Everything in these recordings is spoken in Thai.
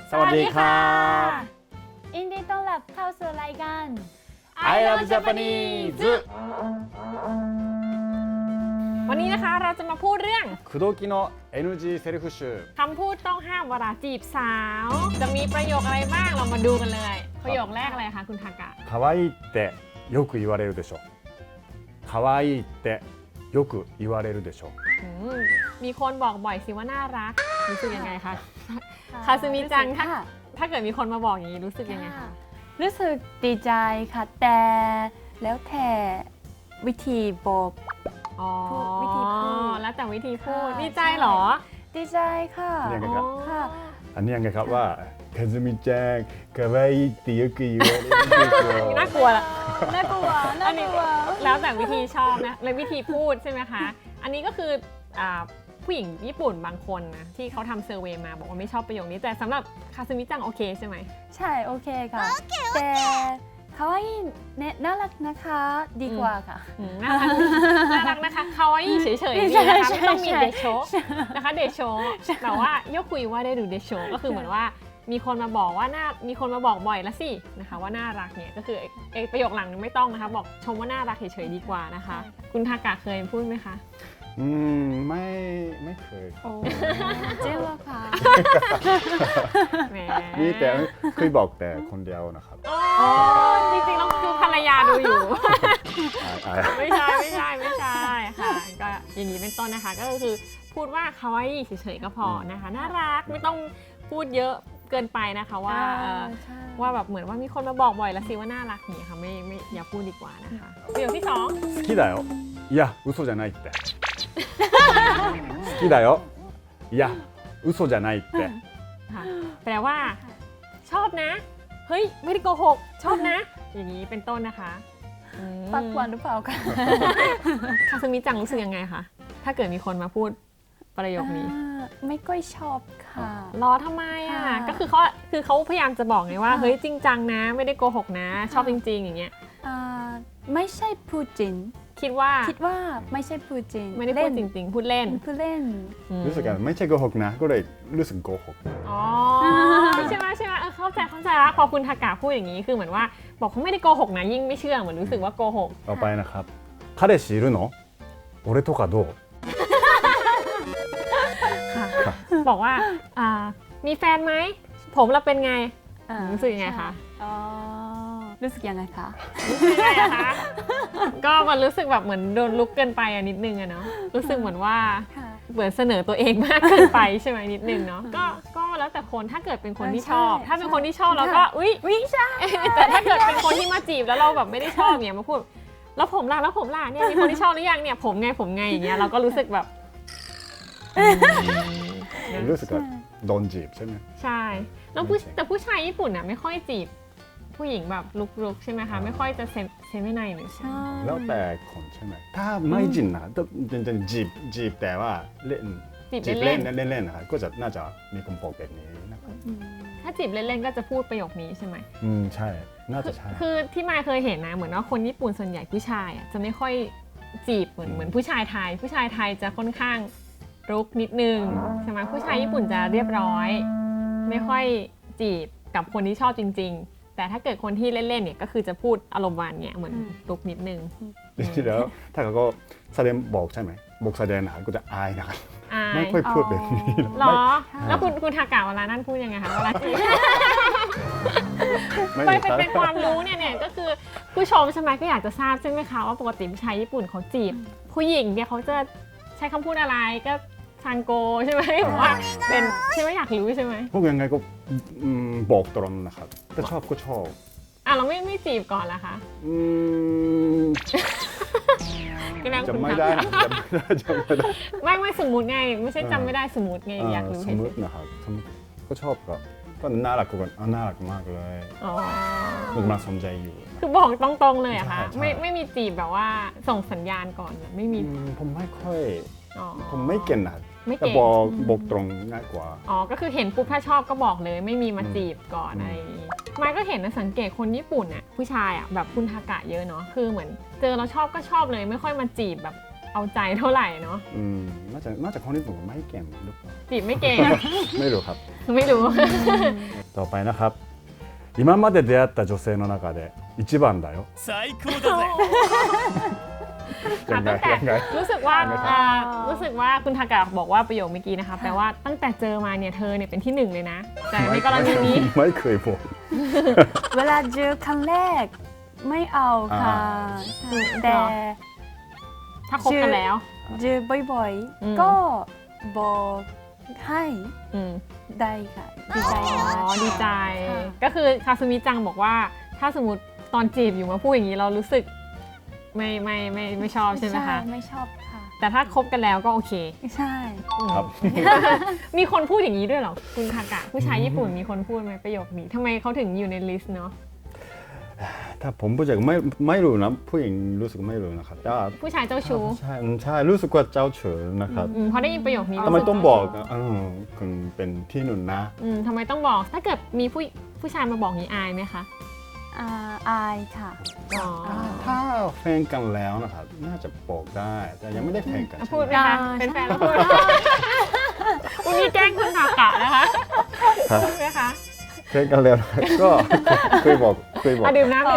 สวัสดีครับยินดีต้อนรับเข้าสู่รายการ I Love Japanese วันนี้นะคะเราจะมาพูดเรื่อง口説きの NG セルフ集คำพูดต้องห้ามเวลาจีบสาว จะมีประโยคอะไรบ้างเรามาดูกันเลย ประโยคแรกอะไรคะคุณทากะ可愛いってよく言われるでしょ可愛いってよく言われるでしょอืมมีคนบอกบ่อยสิว่าน่ารักรู้สึกยังไงคะคาซึมิจังถ้าเกิดมีคนมาบอกอย่างนี้รู้สึกยังไงคะรู้สึกดีใจค่ะแต่แล้วแต่วิธีบอกอ๋อวิธีพูดแล้วแต่วิธีพูดค่ะดีใจเหรอดีใจค่ะเรียกไงครับค่ะอันนี้ยังไงครับว่าคาซึมิจัง可愛いってよく言われるでしょน่ากลัวละน่ากลัวน่ากลัวแล้วแต่วิธีชอบนะและวิธีพูดใช่ไหมคะ อันนี้ก็คือผู้หญิงญี่ปุ่นบางคนนะที่เขาทำเซอร์เวย์มาบอกว่าไม่ชอบประโยคนี้แต่สำหรับคาซึมิจังโอเคใช่ไหมใช่โอเคค่ะแต่可愛いเนี่ยน่ารักนะคะดีกว่าค่ะน่ารักน่ารักนะคะคาวาอิเฉยๆนี่นะคะไม่ต้องมีเดโชนะคะเดโชแต่ว่าโยคุยว่าได้ดูเดโชก็คือเหมือนว่ามีคนมาบอกว่ามีคนมาบอกบ่อยแล้วสินะคะว่าน่ารักเนี่ยก็คือประโยคหลังไม่ต้องนะคะบอกชมว่าน่ารักเฉยๆดีกว่านะคะ คุณทากะเคยพูดไหมคะไม่เคยครับโอ้จริงเหรอคะแหมมีแต่เคยบอกแต่คนเดียวนะครับโอ้จริงๆแล้วคือภรรยาดูอยู่อายไม่ใช่ค่ะก็อย่างนี้เป็นต้นนะคะก็คือพูดว่าคาวาอิเฉยๆก็พอนะคะน่ารักไม่ต้องพูดเยอะเกินไปนะคะว่าใช่ว่าแบบเหมือนว่ามีคนมาบอกบ่อยแล้วสิว่าน่ารักอย่างเงี้ยค่ะไม่อย่าพูดดีกว่านะคะประโยคที่สอง好きだよいや嘘じゃないって好きだよいや嘘じゃないってค่ะแปลว่าชอบนะเฮ้ยไม่ได้โกหกชอบนะ อย่างนี้เป็นต้นนะคะปากหวานหรือเปล่าคะคาซึมิจังรู้สึกยังไงคะถ้าเกิดมีคนมาพูดประโยคนี้ไม่ค่อยชอบค่ะรอทำไมอ่ะค่ะก็คือเขาพยายามจะบอกไงว่าค่ะเฮ้ยจริงจังนะ ไม่ได้โกหกนะ ชอบจริง ๆ อย่างเงี้ยไม่ใช่พูดจริงคิดว่าคิดว่าไม่ใช่พูดจริงไม่ได้พูดจริง ๆ พูดเล่นพูดเล่นรู้สึกว่าไม่ใช่โกหกนะก็เลยรู้สึกโกหกอ๋อใช่ไหมเข้าใจแล้วพอคุณทากะพูดอย่างนี้คือเหมือนว่าบอกเขาไม่ได้โกหกนะยิ่งไม่เชื่อเหมือนรู้สึกว่าโกหกต่อไปนะครับ彼氏いるの俺とかどうค่ะบอกว่ามีแฟนไหมผมเราเป็นไง รู้สึกยังไงคะอ๋อรู้สึกยังไงคะใช่อะคะก็มันรู้สึกแบบเหมือนโดนลุกเกินไปอะนิดนึงอะเนาะรู้สึกเหมือนว่าค่ะเหมือนเสนอตัวเองมากเกินไปใช่ไหมนิดนึงเนาะก็แล้วแต่คนถ้าเกิดเป็นคนที่ชอบใช่ถ้าเป็นคนที่ชอบเราก็ค่ะอุ๊ยใช่แต่ถ้าเกิดเป็นคนที่มาจีบแล้วเราแบบไม่ได้ชอบเนี่ยมาพูดแล้วผมล่ะเนี่ยมีคนที่ชอบหรือยังเนี่ยผมไงอย่างเงี้ยเราก็รู้สึกแบบรู้สึกว่าโดนจีบใช่ไหมใช่แล้วแต่ผู้ชายญี่ปุ่นน่ะไม่ค่อยจีบผู้หญิงแบบลุกๆใช่ไหมคะไม่ค่อยจะเซมิไนหรือใช่แล้วแต่คนใช่ไหมถ้าไม่จริงนะจริงจีบแต่ว่าเล่นจีบเล่นเล่นนะครับก็จะน่าจะมีคนบอกแบบนี้นะครับถ้าจีบเล่นๆก็จะพูดประโยคนี้ใช่ไหมใช่น่าจะใช่คือที่มายเคยเห็นนะเหมือนว่าคนญี่ปุ่นส่วนใหญ่ผู้ชายจะไม่ค่อยจีบเหมือนผู้ชายไทยจะค่อนข้างรุกนิดนึงใช่ไหมผู้ชายญี่ปุ่นจะเรียบร้อย ไม่ค่อยจีบกับคนที่ชอบจริง ๆ แต่ถ้าเกิดคนที่เล่นๆเนี่ยก็คือจะพูดอารมณ์หวานเนี่ยเหมือนรุกนิดนึงจริงๆแล้วถ้าเขาก็แสดงบอกใช่ไหมบอกแสดงนะครับก็จะอายนะครับอายไม่ค่อยพูดแบบนี้หรอแล้วคุณทากะเวลานั่นพูดยังไงคะเวลาจีบไม่ไปมีครับเป็นความรู้เนี่ยก็คือผู้ชมใช่ไหมก็อยากจะทราบใช่ไหมคะว่าปกติผู้ชายญี่ปุ่นเขาจีบ ผู้หญิงเนี่ยเขาจะใช้คำพูดอะไรก็ซังโกใช่ไหมบอกว่าเป็นใช่ไหมอยากรู้ใช่ไหมพวกยังไงก็บอกตรงนะครับถ้าชอบก็ชอบเราไม่จีบก่อนละคะก็แล้วจำคุณไม่ทำได้จำไม่ได้ไม่สมมุติไงไม่ใช่จำไม่ได้สมมุติไงอยากรู้สเฉมยมตินะครับก็ชอบก็น่ารักกันน่ารักมากเลยๆอ๋อมันกำลังสนใจอยู่คือบอกตรงๆเลยอะคะใช่ไม่มีจีบแบบว่าส่งสัญญาณก่อนไม่มีผมไม่ค่อยอ๋อผมไม่เก่งนะไม่เก่งแต่บอกตรงง่ายกว่าอ๋อ ก็คือเห็นปุ๊บถ้าชอบก็บอกเลยไม่มีมาจีบก่อนอะไรอย่างงี้ไม่ก็เห็นนะสังเกตคนญี่ปุ่นน่ะผู้ชายอ่ะแบบคุณทากะเยอะเนาะคือเหมือนเจอเราชอบก็ชอบเลยไม่ค่อยมาจีบแบบเอาใจเท่าไหร่เนาะน่าจะคนญี่ปุ่นไม่เก่งหรือเปล่าจีบไม่เก่งไม่รู้ครับไม่รู้ต่อไปนะครับ今まで出会った女性の中で一番だよ最高だぜยังไงตั้งแต่ยังไงรู้สึกว่ายังไงครับรู้สึกว่าคุณทากะบอกว่าประโยคเมื่อกี้นะคะแปลว่าตั้งแต่เจอมาเนี่ยเธอเนี่ยเป็นที่หนึ่งเลยนะ แต่ในกรณีนี้ไม่เคยบอกเวลาเจอครั้งแรกไม่เอาค่ะ แต่ถ้าคบกันแล้วเจอบ่อยอืมๆ ก็บอกให้อืมได้ค่ะดีใจอ๋มากอดีใจค่ะก็คือคาซูมิจังบอกว่าถ้าสมมติตอนจีบอยู่มาพูดอย่างนี้เรารู้สึกไม่ชอบใช่ไหมคะไม่ชอบค่ะแต่ถ้าคบกันแล้วก็โอเคใช่ครับมีคนพูดอย่างนี้ด้วยเหรอคุณทากะผู้ชายญี่ปุ่นมีคนพูดไหมประโยคนี้ทำไมเขาถึงอยู่ในลิสต์เนาะถ้าผมผู้ชายไม่รู้นะผู้หญิงรู้สึกไม่รู้นะครับแต่ว่าผู้ชายเจ้าชู้ใช่รู้สึกว่าเจ้าเฉยนะครับพอได้ยินประโยคนี้ทำไมรู้สึกต้องบอกคุณเป็นที่หนุนนะทำไมต้องบอกถ้าเกิดมีผู้ชายมาบอกอย่างนี้อายไหมคะอายค่ะอ๋อถ้าแฟนกันแล้วนะครับน่าจะบอกได้แต่ยังไม่ได้แฟนกันพูดไหมได้คะเป็นแฟนแล้วพูดวันนี้แกล้งคุณทากะนะคะพูดไหมคะแฟนกันแล้วก็เคยบอกอ่ะดื่มน้ำ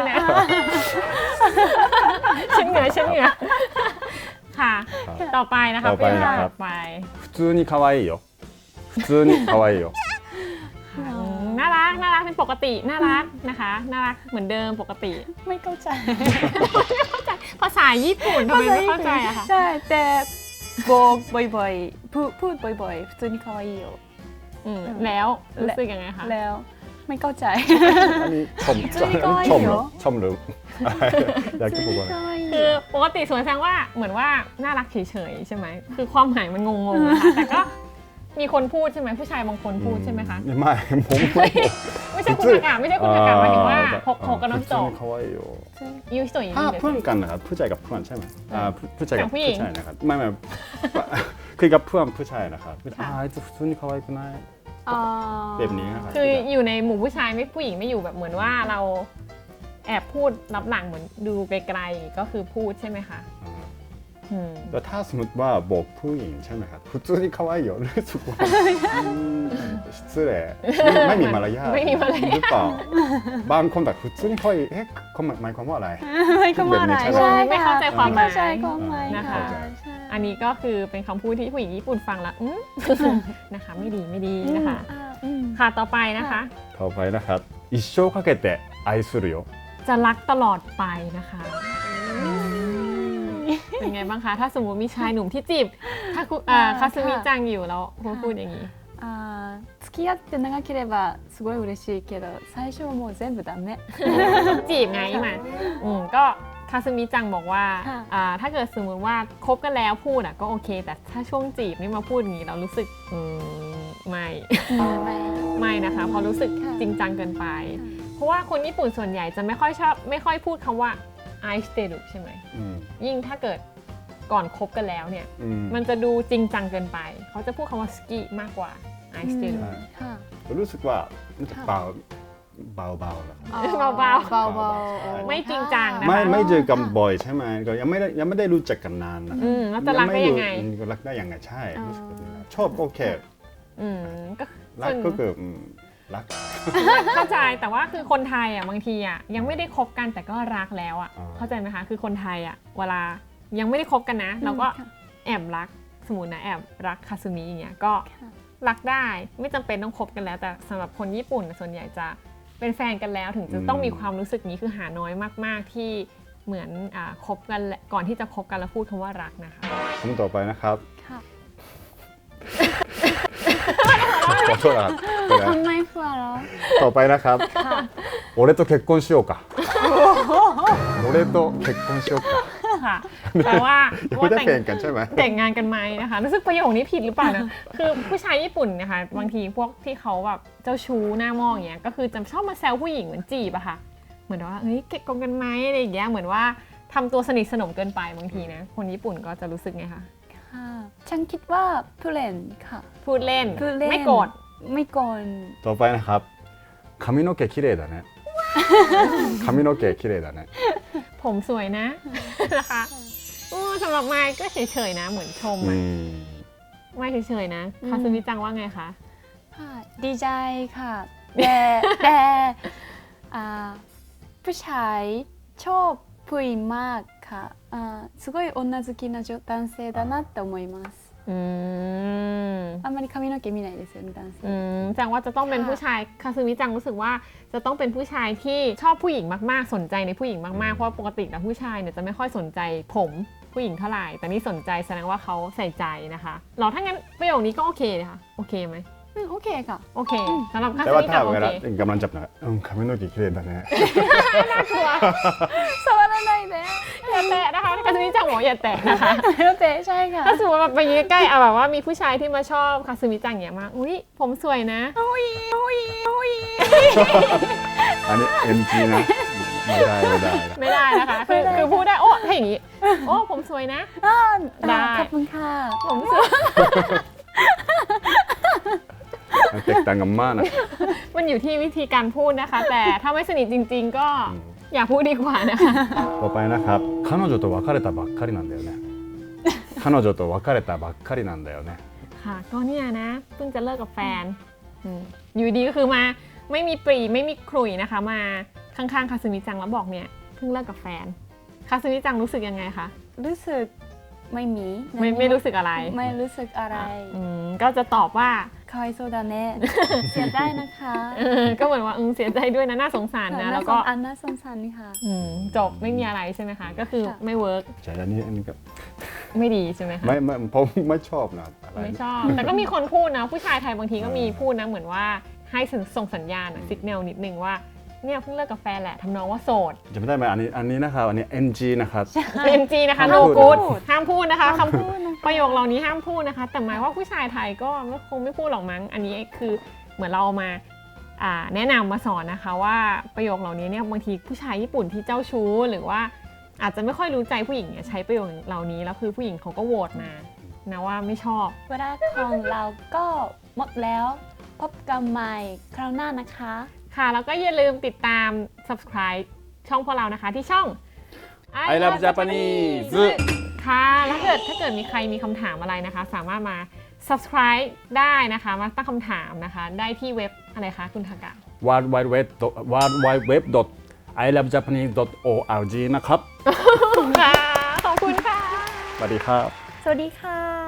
ฉันเหนื่อยค่ะ ต่อไปนะคะต่อไปนะครับต่อไป普通に可愛いよ普通に可愛いよน่ารักเป็นปกติน่ารักนะคะน่ารักเหมือนเดิมปกติไม่เข้าใจภาษาญี่ปุ่นทำไมไม่เข้าใจอะคะใช่แต่บอกบ่อยๆพูดบ่อยๆ普通に可愛いよแล้วรู้สึกยังไงคะแล้วไม่เข้าใจอันนี้ชม普通に可愛いよหรืออยากจะบอกว่าอะไรคือปกติสวนแสดงว่าเหมือนว่าน่ารักเฉยๆใช่ไหมคือความหมายมันงงๆนะคะแต่ก็มีคนพูดใช่ไหมผู้ชายบางคนพูดใช่ไหมคะไม่ผมไม่บอกไม่ใช่คุณทากะไม่ใช่คุณทากะหมายถึงว่าหกกับน้องโจ普通に可愛いよยูสวยอย่างถ้านี้เลยเพื่อนกันนะครับผู้ชายกับเพื่อนใช่ไหมผู้ชายกับกับผู้หญิงผู้ชายนะครับไม่คือกับเพื่อนผู้ชายนะครับあいつ普通に可愛くないแบบนี้นะครับคืออยู่ในหมู่ผู้ชายไม่ผู้หญิงไม่อยู่แบบเหมือนว่าเราแอบพูดรับหลังเหมือนดูไกลๆก็คือพูดใช่ไหมคะแล้วถ้าสมมติว่าบอกผู้หญิงใช่ไหมครับ普通に可愛いよรู้สึกว่า失礼ไม่มีมารยาทไม่มีมารยาทหรือเปล่าบางคนแบบ普通に可愛いเขาหมายความว่าอะไรไม่เข้าใจใช่ไม่เข้าใจความหมายไเข้าใจความหมายนะคะใช่อันนี้ก็คือเป็นคำพูดที่ผู้หญิงญี่ปุ่นฟังแล้วนะคะไม่ดีนะคะ ค่ะต่อไปนะคะต่อไปนะครับ一生かけて愛するよจะรักตลอดไปนะคะเป็นไงบ้างคะถ้าสมมติมีชายหนุ่มที่จีบถ้าคาซึมิจังอยู่แล้วพูดอย่างนี้付き合って長ければすごい嬉しいけど最初はもう全部ダメจีบไงมาก็คาซึมิจังบอกว่าค่ะถ้าเกิดสมมติว่าคบกันแล้วพูดก็โอเค แต่ถ้าช่วงจีบนี่มาพูดอย่างนี้เรารู้สึกไม่นะคะเพราะรู้สึกจริงจังเกินไป เพราะว่าคนญี่ปุ่นส่วนใหญ่จะไม่ค่อยพูดคำว่าไอสเตรุใช่ไหมยิ่งถ้าเกิดก่อนคบกันแล้วเนี่ยมันจะดูจริงจังเกินไปเขาจะพูดคำว่าสกิมากกว่าไอสเตรุค่ะรู้สึกว่ามันจะเบานะครับเบาเบาไม่จริงจังนะคะไม่เจอกันบ่อยใช่ไหมก็ยังไม่ได้รู้จักกันนานนะแล้วจะรักได้ยังไงก็รักได้ยังไงใช่รู้สึกแบบนั้นชอบโอเคก็รักก็คือรักเข้าใจแต่ว่าคือคนไทยบางทียังไม่ได้คบกันแต่ก็รักแล้วเข้าใจไหมคะคือคนไทยเวลายังไม่ได้คบกันนะเราก็แอบรักสมมุตินะแอบรักคาซึมิอย่างเงี้ยก็รักได้ไม่จำเป็นต้องคบกันแล้วแต่สำหรับคนญี่ปุ่นส่วนใหญ่จะเป็นแฟนกันแล้วถึงจะต้องมีความรู้สึกนี้คือหาน้อยมากๆที่เหมือนคบกันก่อนที่จะคบกันแล้วพูดคำว่ารักนะคะคำต่อไปนะครับค่ะขอโทษนะครับทำไมฟัวเราต่อไปนะครับ俺と結婚しようか俺と結婚しようかค่ะแปลว่าไม่ได้แฟนกันใช่ไหมแต่งงานกันไหมนะคะรู้สึกประโยคนี้ผิดหรือเปล่านะคือผู้ชายญี่ปุ่นนะคะบางทีพวกที่เขาแบบเจ้าชู้หน้ามองอย่างเงี้ยก็คือจะชอบมาแซวผู้หญิงเหมือนจีบอะค่ะเหมือนว่าเฮ้ยเก็บกงกันไหมอะไรอย่างเงี้ยเหมือนว่าทำตัวสนิทสนมเกินไปบางทีนะคนญี่ปุ่นก็จะรู้สึกไงคะค่ะฉันคิดว่าผู้เล่นค่ะพูดเล่นพูดเล่นไม่โกรธไม่โกรธต่อไปนะครับ髪の毛綺麗だね髪の毛綺麗だねผมสวยนะนะคะทสำหรับไมค์ก็เฉยๆนะเหมือนชมอือะมไม่เฉยๆนะคาซึมิจังว่าไงคะค่ะดีใจค่ะแต่ผู้ชายชอบผู้หญิงมากค่ะすごい女好きな男性だなって思います。 อืมあんまり髪の毛見ないですよね男性。 จังว่าจะต้องเป็นค่ะผู้ชายคาซึมิจังรู้สึกว่าจะต้องเป็นผู้ชายที่ชอบผู้หญิงมากๆสนใจในผู้หญิงมากๆเพราะว่าปกติแล้วผู้ชายเนี่ยจะไม่ค่อยสนใจผมผู้หญิงเท่าไหร่แต่นี่สนใจแสดงว่าเขาใส่ใจนะคะหรอถ้างั้นประโยคนี้ก็โอเคเลยค่ะโอเคไหมオッケーか。 โอเคสำหรับคาแต่ซึว่ามิถ้าจังโอเวเคลากำลังจับนะ髪の毛綺麗だねน่ากลัว触らないで。 อย่าแตะนะคะคาซึมิจังบอกอย่าแตะนะคะだってใช่ค่ะถ้าสมมติว่าไปยืนใกล้เอาแบบว่ามีผู้ชายที่มาชอบคาซึมิจังอย่างเงี้ยมาอุ้ยผมสวยนะอันนี้ NG นะไม่ได้ไม่ได้นะคะคือพูดได้โอ้ถ้าอย่างงี้โอ้ผมสวยนะ ได้ขอบคุณค่ะผมสวยแตกต่างกันมากนะมันอยู่ที่วิธีการพูดนะคะ แต่ถ้าไม่สนิทจริง ๆ ก็อย่าพูดดีกว่านะคะต่อไปนะครับ彼女と別れたばっかりなんだよね彼女と別れたばっかりなんだよねค่ะก็เนี่ยนะเพิ่งจะเลิกกับแฟนอยู่ดีก็คือมาไม่มีปรีไม่มีขลุ่ยนะคะ มาข้างๆคาซึมิจังแล้วบอกเนี่ยเพิ่งเลิกกับแฟนคาซึมิจังรู้สึกยังไงคะรู้สึกไม่มีไม่รู้สึกอะไรไม่รู้สึกอะไรก็จะตอบว่าかわいそうだねเสียใจนะคะก็เหมือนว่าเสียใจด้วยนะน่าสงสารนะแล้วก็น่าสงสารนี่ค่ะจบไม่มีอะไรใช่ไหมคะก็คือค่ะไม่เวิร์กใช่อันนี้ก็ไม่ดีใช่ไหมคะไม่ผมไม่ชอบนะอะไรไม่ชอบ แต่ก็มีคนพูดนะ ผู้ชายไทยบางทีก็มีพูดนะเหมือนว่าให้ส่งสัญญาณสิกแนลนิดนึงว่าเนี่ยเพิ่งเลิกกับแฟนแหละทำนองว่าโสดจำไม่ได้ไหมอันนี้นะครับอันนี้ NG นะครับ NG นะคะห้าม no พูด good ห้ามพูดนะคะห้ามคำพูดนะคะประโยคเหล่านี้ห้ามพูดนะคะ แต่หมายว่าผู้ชายไทยก็คงไม่พูดหรอกมั้งอันนี้คือเหมือนเราเอามาแนะนำมาสอนนะคะว่าประโยคเหล่านี้เนี่ยบางทีผู้ชายญี่ปุ่นที่เจ้าชู้หรือว่าอาจจะไม่ค่อยรู้ใจผู้หญิงเนี่ยใช้ประโยคเหล่านี้แล้วคือผู้หญิงเขาก็โหวตมานะว่าไม่ชอบเวลาของเราก็หมดแล้วพบกันใหม่คราวหน้านะคะค่ะแล้วก็อย่าลืมติดตาม subscribe ช่องพวกเรานะคะที่ช่อง I love Japanese ค่ะแล้วถ้าเกิดมีใครมีคำถามอะไรนะคะ สามารถมา subscribe ได้นะคะ มาตั้งคำถามนะคะ ได้ที่เว็บอะไรคะคุณทากะ www.ilovejapanese.org นะครับค่ะ ขอบคุณค่ะสวัสดีครับสวัสดีค่ะ